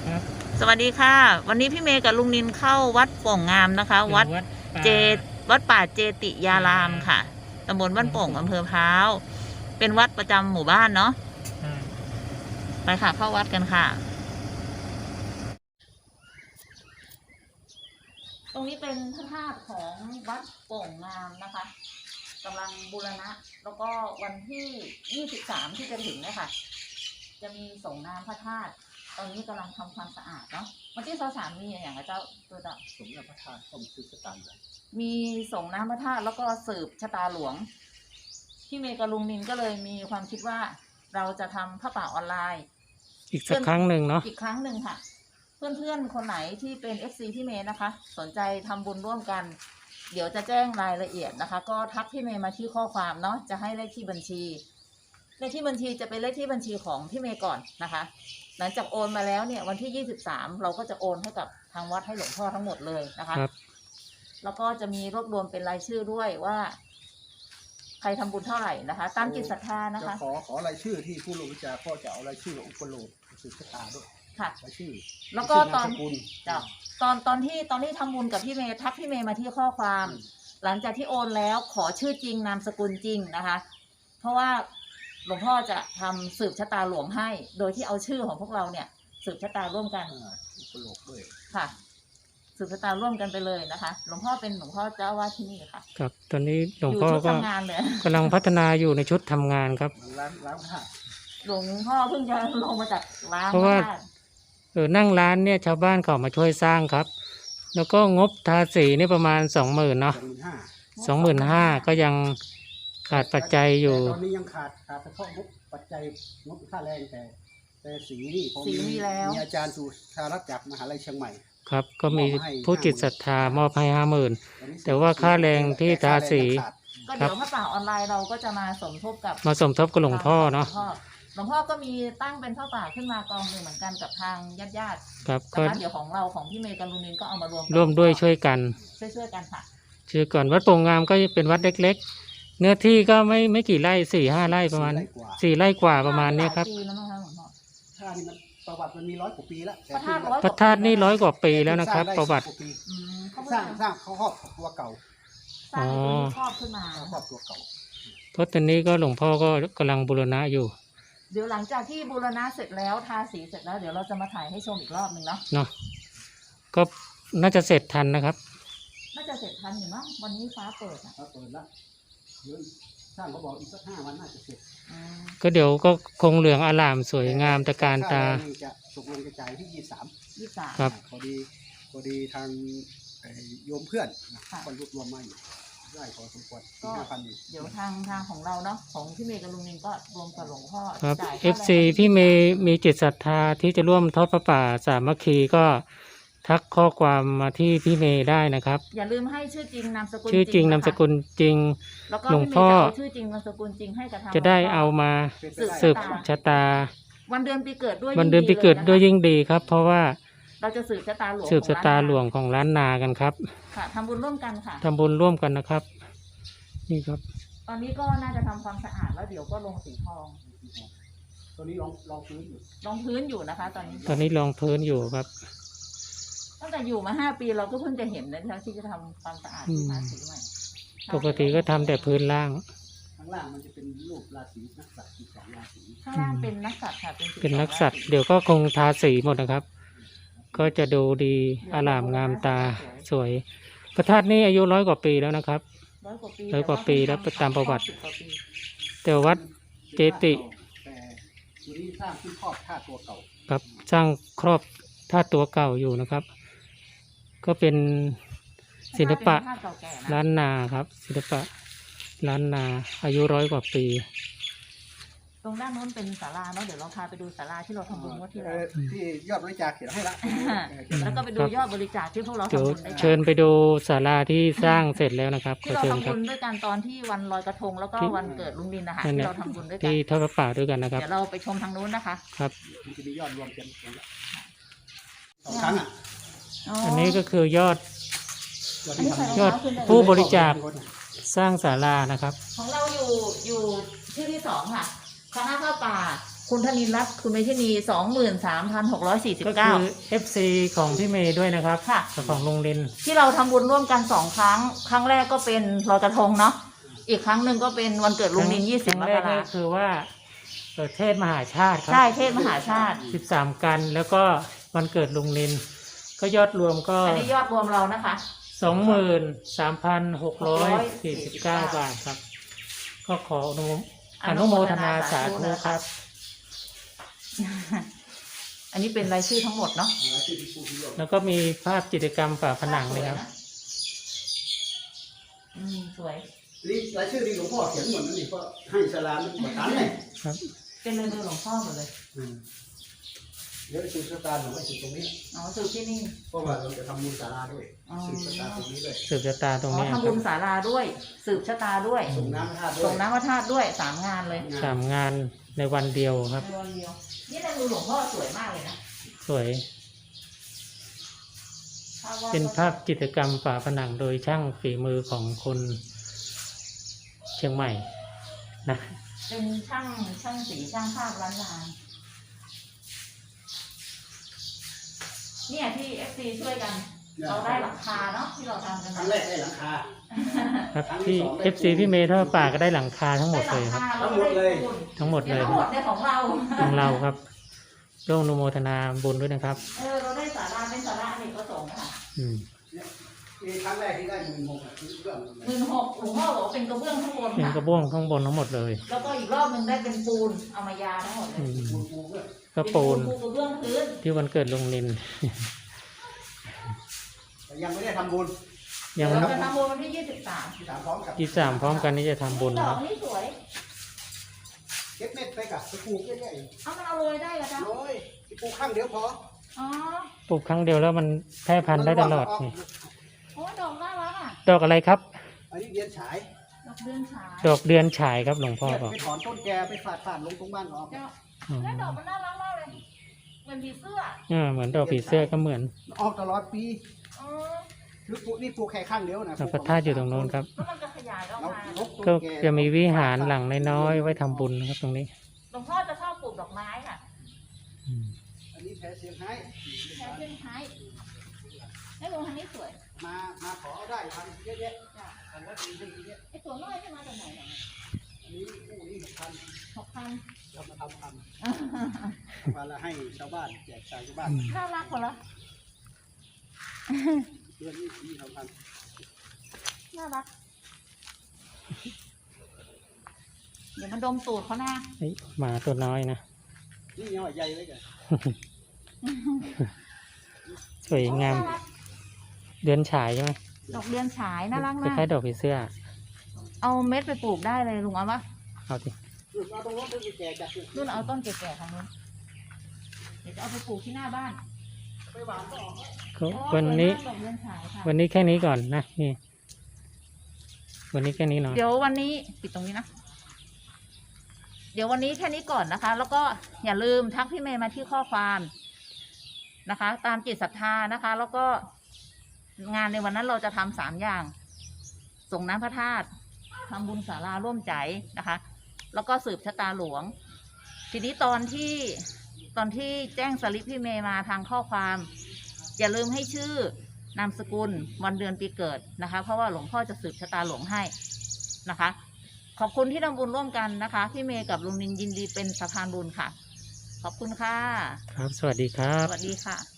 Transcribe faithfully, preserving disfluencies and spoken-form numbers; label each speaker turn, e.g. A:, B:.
A: ครับ
B: สวัสดีค่ะวันนี้พี่เมย์กับลุงนินเข้าวัดโป่งงามนะคะ วัดเจวัดป่าเจติยารามค่ะตำบลบ้านโป่งอำเภอพร้าวเป็นวัดประจำหมู่บ้านเนาะไปค่ะเข้าวัดกันค่ะตรงนี้เป็นพระธาตุของวัดโป่งงามนะคะกำลังบูรณะแล้วก็วันที่ยี่สิบสามที่จะถึงเนี่ยค่ะจะมีส่งน้ำพระธาตุตอนนี้กำลังทำความสะอาดเนาะวันที่สามมีอย่างไรเจ้าตัวต่อ
C: สมน้ำพระธาตุต้มสืบชะตาหลวง
B: มีส่งน้ำพระธาตุแล้วก็สืบชะตาหลวงพี่เมย์กับลุงนินก็เลยมีความคิดว่าเราจะทำผ้าป่าออนไลน์
A: อีกสักครั้งหนึ่งเนาะ
B: อีกครั้งหนึ่งค่ะเพื่อนๆคนไหนที่เป็น เอฟ ซี พี่เมย์นะคะสนใจทำบุญร่วมกันเดี๋ยวจะแจ้งรายละเอียดนะคะก็ทักพี่เมย์มาที่ข้อความเนาะจะให้เลขที่บัญชีเลขที่บัญชีจะเป็นเลขที่บัญชีของพี่เมย์ก่อนนะคะหลังจากโอนมาแล้วเนี่ยวันที่ยี่สิบสามเราก็จะโอนให้กับทางวัดให้หลวงพ่อทั้งหมดเลยนะคะ
A: ครับ
B: แล้วก็จะมีรวบรวมเป็นรายชื่อด้วยว่าใครทำบุญเท่าไหร่นะคะตามจิตศรัทธานะคะ
C: จะขอขอรายชื่อที่ผู้ลงวิจารณ์ก็จะเอารายชื่ออุปโลกสืบชะตาด้วย
B: ค่ะ
C: รายชื่อ
B: แล้วก็ตอนจ้ะตอนตอนที่ตอนที่ทำบุญกับพี่เมย์ทักพี่เมย์มาที่ข้อความ หลังจากที่โอนแล้วขอชื่อจริงนามสกุลจริงนะคะ เพราะว่าหลวงพ่อจะทำสืบชะตาหลวงให้ โดยที่เอาชื่อของพวกเราเนี่ยสืบชะตาร่วมกัน
C: อุปโลกด้วย
B: ค่ะสืบชะตาร่วมกันไปเลยนะคะหลวงพ่อเป็นหลวงพ่อเจ้าวาดที่นี่ค่ะ
A: ครับตอนนี้หลวงพ่อก็กำลังพัฒนาอยู่ในชุดทำงานครับ
C: ล้างล้างผ้า
B: หลวงพ่อเพิ่งจะลงมาจากล้าง
A: เพราะว่าเออนั่งร้านเนี่ยชาวบ้านเขามาช่วยสร้างครับแล้วก็งบทาสีนี่ประมาณสองหมื่นเนาะสองหมื่นห้าก็ยังขาดปัจจัยอยู่
C: ตอนนี้ยังขาดขาดเฉพาะงบปัจจัยงบค่าแรงแต่แต่สีนี่ผม
B: มีแล้ว
C: มีอาจารย์สุชารัตน์จากมหาลัยเชียงใหม่
A: ครับก็มีผู้จิตศรัทธามอบให้ห้าหมื่นแต่ว่าค่าแรงที่ทาสี
B: ก็เดี๋ยวพระป่าออนไลน์เราก็จะมาสมทบกับ
A: มาสมทบกับหลวงพ่อเนาะ
B: หลวงพ่อก็มีตั้งเป็นผ้าป่าขึ้นมากองหนึ่งเหมือนกันกับทางญาติญาติ
A: ครับ
B: ก็เดี๋ยวของเราของพี่เมย์กับลุงนินก็เอามารวม
A: ร่วมด้วยช่วยกัน
B: ช่วยช่วยกันค่ะ
A: ชื่อก่อนวัดโป่งงามก็เป็นวัดเล็กๆเนื้อที่ก็ไม่ไม่กี่ไร่สี่ห้าไร่ประมาณสี่ไร่กว่าประมาณนี้ครับ
C: ท่านี่มันประวัติมันมีร้อยกว่าปีแล้ว
A: พระธาตุนี่ร้อยกว่าปีแล้วนะครับประวัติ
C: สร้างสร้างเขาครอบตัวเก่า
B: อ๋อครอบขึ้นมา
C: ครอบตัวเก่า
A: เพราะตอนนี้ก็หลวงพ่อก็กำลังบูรณะอยู่
B: เดี๋ยวหลังจากที่บูรณะเสร็จแล้วทาสีเสร็จแล้วเดี๋ยวเราจะมาถ่ายให้ชมอีกรอบหนึ่งเนาะ
A: เนาะก็น่าจะเสร็จทันนะครับ
B: น่าจะเสร็จทันอยู่มั้งวันนี้ฟ้าเปิดอ่ะ
C: ฟ้าเปิดแล้วเดี๋ยวสร้างเขาบอกอีกสักห้าวันน่าจะเสร็จ
A: ก็เดี๋ยวก็คงเหลืองอลามสวยงามตะการตา
C: จะตกลงกระจายที่ยี่สิบสาม
B: ยี่สิบสาม
A: ครับ
C: พอดีพอดีทางโยมเพื่อนคนรวบรวมมาอยู่ได้พอสมควร
B: ก็เดี๋ยวทางทางของเราเนาะของพี่เมย์กับลุงนินก็รวมกับหลวงพ่อ
A: ครับ เอฟ ซี พี่เมย์มีจิตศรัทธาที่จะร่วมทอดพระป่าสามัคคีก็ทักข้อความมาที่พี่เมย์ได้นะครับ
B: อย่าลืมให้ชื่อจริงนามสกุล
A: ชื่อจริงนามสกุลจริงหลวงพ่อ
B: ชื่อจริงนามสกุลจริงให้กับทาง
A: จะได้เอามาสืบชะตา
B: วันเดือนปีเกิดด้วย
A: วันเดือนปีเกิดด้วยยิ่งดีครับเพราะว่า
B: เราจะสืบชะตาหลวง
A: สืบชะตาหลวงของล้านนากันครับ
B: ค่ะทำบุญร่วมกันค่ะ
A: ทำบุญร่วมกันนะครับนี่ครับ
B: ตอนนี้ก็น่าจะทำความสะอาดแล้วเดี๋ยวก็ลงสีทอง
C: ตอนนี้ลองลองพื้นอยู่
B: ลองพื้นอยู่นะคะตอนนี้
A: ตอนนี้ลองพื้นอยู่ครับ
B: ตั้งแต่อยู่มาห้าปีเราก็เพิ่งจะเห็นนะที่จะทำความสะอาดที่ทาสีใหม่
A: ปกติก็ทำแต่พื้นล่าง
C: ข้างล่างมันจะเป็นรูปราศีนักสัตว์ที่สองราศี
B: ข้างล่างเป็นนักสัตว์ค่ะ
A: เป็นนักสัตว์เดี๋ยวก็คงทาสีหมดนะครับก็จะดูดีอลามงามตาสวยพระธาตุนี่อายุร้อยกว่าปีแล้วนะครับ
B: ร้อยกว่าปี
A: ร้อยกว่าปีแล้วตามประวัติแต่วัดเจติ
C: แต่ทีนี้สร้างที่ครอบธาตุตัวเก่า
A: ครับสร้างครอบธาตุตัวเก่าอยู่นะครับก็เป็นศิลปะล้านนาครับศิลปะล้านนาอายุร้อยกว่าปี
B: ตรงด้านโน้นเป็นศาลาเนาะเดี๋ยวเราพาไปดูศาลาที่เราทำบุญว่าที่เรา
C: ที่ยอดบริจาคเขียนให้ละ
B: แล้วก็ไปดูยอดบริจาคที่พวกเราทำบุญได้
A: เชิญไปดูศาลาที่สร้างเสร็จแล้วนะครับ
B: ที่เราทำบุญด้วยกันตอนที่วันลอยกระทงแล้วก็วันเกิดลุงดินนะคะที่เราทำบุญด้วยกัน
A: ที่ทอดพระป่าด้วยกันนะครับ
B: เดี๋ยวเราไปชมทางนู้นนะคะ
A: ครับ
C: จะมียอดรวมกันสองครั้งอ่ะ
A: อันนี้ก็คือยอดยอดผู้บริจาคสร้างศาลานะครับ
B: ของเราอยู่อยู่ที่ที่สองค่ะคณะผ้าป่าคุณธนินทร์รัตน์คุณเมธินีสองหมื่นสามพันหกร้อยสี่สิบ
A: ก็คื
B: เก้า
A: อ เอฟ ซี ของพี่เมย์ด้วยนะครับ
B: ค่ะ
A: กับของลุงลิน
B: ที่เราทำบุญร่วมกันสองครั้ง ครั้งแรกก็เป็นลอยกระทงเนาะอีกครั้งหนึ่งก็เป็นวันเกิดลุงลินยี่สิบ
A: ค
B: ม
A: รั้งแร
B: ก
A: ก
B: รา
A: ก็คือว่าเอ่อเทศมหาชาติครั
B: ใช่เทศมหาชาติ
A: สิบสามกันแล้วก็วันเกิดลุงลิน ก็ยอดรวมก็
B: อันนี้ยอดรวมเรานะคะ
A: สองหมื่นสามพันหกร้อยสี่สิบเก้าบาทครับ ก็ขออนุโมอนุโมทนาสาธุครับ
B: อันนี้เป็นรายชื่อทั้งหมดเนาะ
A: แล้วก็มีภาพจิตรกรรมฝาผนังเลยครับ
B: อืมสวย
C: นี่รายชื่อนี่หลวงพ่อเขียนหมดนั่นนี่เพราะให้สลามมันประกันเลย
A: ครับ
B: เป็นเลยมือหลวงพ่อหมดเลย
C: อืมเดี๋ยวสืบชะตาหนูไปสืบตรงนี้
B: อ๋อสืบที่นี่
C: เพราะว่าเราจะทำบุญศาลาด้วย
B: อ๋อ
C: สืบชะตาตรงนี้ด้วย
A: สืบชะตาตรง
B: อ๋อ
A: นี้ครั
B: ทำบุญ
A: บ
B: ศาลาด้วย สืบชะตาด้วย
C: ส่งน้ำพระธาตุด้วย
B: ส่งน้ำพระธาตุด้วยสามงานเลย
A: สามงานในวันเดียวครับ
B: ในวันเดียวนี่ในมือหลวงพ่อสวยมากเลยนะ
A: สวย
B: ภาพวาด
A: เป็นภาพจิตรกรรมฝาผนังโดยช่างฝีมือของคนเชียงใหม่นะ
B: เป็นช่างช่างสีช่างภาพล้านนาเนี่ยที่เอฟซีช่วยกัน เราได้หลังคาเนาะที่เราทำกัน
C: ครั้งแรกได้หลังคา
A: ครับที่ เอฟ ซี พี่เมย์ทอดป่าก็ได้หลังคาทั้งหมดเลยครับ
B: ทั้งหมดเลย
A: ทั้งหมดเลย
B: ทั้งหมดในของเรา
A: ของเราครับร่วมอนุโมทนาบุญด้วยนะครับ
B: เออเราได้สาราเป็นสาราอเนกประสงค์ค่ะ
A: อืม
C: มีครั้งแรกที่ได้หมื่นหกอ่ะคือเรื่อง
B: หมื่นหกหลวงพ่อบอกว่าเป็นกระเบื้องข้างบน
A: เป็น
B: ค่ะ
A: กระบ้วงข้างบนทั้งหมดเลย
B: แล้วก็อีกรอบหนึ่งได้เป็นปูนเอามายาทั้งหมดเลย
A: อืม
C: ปูนปูด้วย
A: ก็ปูน
B: ปูกระเบื้องพื้น
A: ที่วันเกิดลุงลิน
C: แต่ยังไม่ได้ทำบุญ
A: ยัง
B: เราจะทำบุญวันที่ยี่สิบสาม
C: ที่ถามพร้อมกับ
A: ยี่สามพร้อมกันนี้จะทำบุญ
B: ด
A: ค
B: อ
A: รั
B: ก
A: บ
B: นี่สวย
C: เก็บเม็ดไปกับไปปลูกเยอะ
B: เอามันเอาโรยได้เหรอจ๊ะ
C: ๆโอ้ยไปปลูกข้างเดียวพอ
B: อ๋อ
A: ปลูกครั้งเดียวแล้วมันแพร่พันธุ์ได้ตลอดนี่
B: โอ้ดอกน่ารักอ่ะ
A: ดอกอะไรครับ
C: อันนี้เดียนฉาย
B: ดอกเดือนฉาย
A: ดอกเดือนฉายครับหลวงพ่อบอก
C: ไปถอนต้นแกไปฝาดฝาดลงตรงบ้านออก
B: เจ้า
A: อืม
B: แล้วดอกมันน่ารักมากเลยเหมือนผีเสื้อ
A: อ่าเหมือนดอกผีเสื้อก็เหมือน
C: ออกตลอดปี
B: อ๋อ
C: คือปลูกนี่ปลูกแค่ข้างเดียวนะ
A: พระธาตุอยู่ตรงโน้นครับ
B: แล้วมันจะขยายออก
C: แล้ว
B: มา
C: ลบต้น
A: ก็
C: แก
A: จะมีวิหารหลังน้อยๆไว้ทำบุญนะครับตรงนี้
B: หลวงพ่อจะชอบปลูกดอกไม้ค่ะ
A: อืม
C: อันนี้แพ้เสียงไห้
B: แค่เพื่อนไม้ให้ลงทางนี้สวย
C: มามาขอได้ทำเยอะแยะ
B: จ้ะ
C: ทำแล้วดีขึ้นเยอะ
B: ไอ้ตัวน้อยที่มาจากไหนเนี่ย
C: อันนี้คู่นี้หกพัน
B: หกพัน
C: เรามาทำทำมาแล้วให้ชาวบ้านแจกจ่ายชาวบ้าน
B: น่ารักกว่าละ
C: เดือนนี้สี่สองพัน
B: น่ารัก เดี๋ยวมันดมตูดเขาหน้า
A: เฮ้ยหมาตัวน้อยนะ
C: นี่ยังว่าใหญ่เลยแก
A: สวยงาม เดือนฉายใช่ไหม
B: ดอกเดือนฉายน่ารัก
A: ค
B: มาก
A: ล้ายๆดอกผีเสื้อ
B: เอาเม็ดไปปลูกได้เลยลุงเอาปะ
A: เอาสิ
C: เอาตรงนู้นไปแจกจาก
B: นู่นเอาต้นแก่ๆทางนู้นเดี๋ยวจะเอาไปปลูกที่หน้าบ้าน
C: ไปหวานก็ออก
A: ก็
B: โอ้
A: วันนี้
B: สวยมากดอกเดือนฉายค่ะ
A: วันนี้แค่นี้ก่อนนะนี่ วันนี้แค่นี้เนาะ
B: เดี๋ยววันนี้ปิดตรงนี้นะ เดี๋ยววันนี้แค่นี้ก่อนนะคะ แล้วก็อย่าลืมทักพี่เมย์มาที่ข้อความนะคะ ตามจิตศรัทธานะคะ แล้วก็งานในวันนั้นเราจะทำสามอย่าง ส่งน้ำพระธาตุทำบุญศาลาร่วมใจนะคะ แล้วก็สืบชะตาหลวง ทีนี้ตอนที่ตอนที่แจ้งสลิปพี่เมย์มาทางข้อความ อย่าลืมให้ชื่อนามสกุลวันเดือนปีเกิดนะคะ เพราะว่าหลวงพ่อจะสืบชะตาหลวงให้นะคะ ขอบคุณที่ทำบุญร่วมกันนะคะพี่เมย์กับลุงนินยินดีเป็นสะพานบุญค่ะ ขอบคุณค่ะ
A: ครับ สวัสดีครับ
B: สวัสดีค่ะ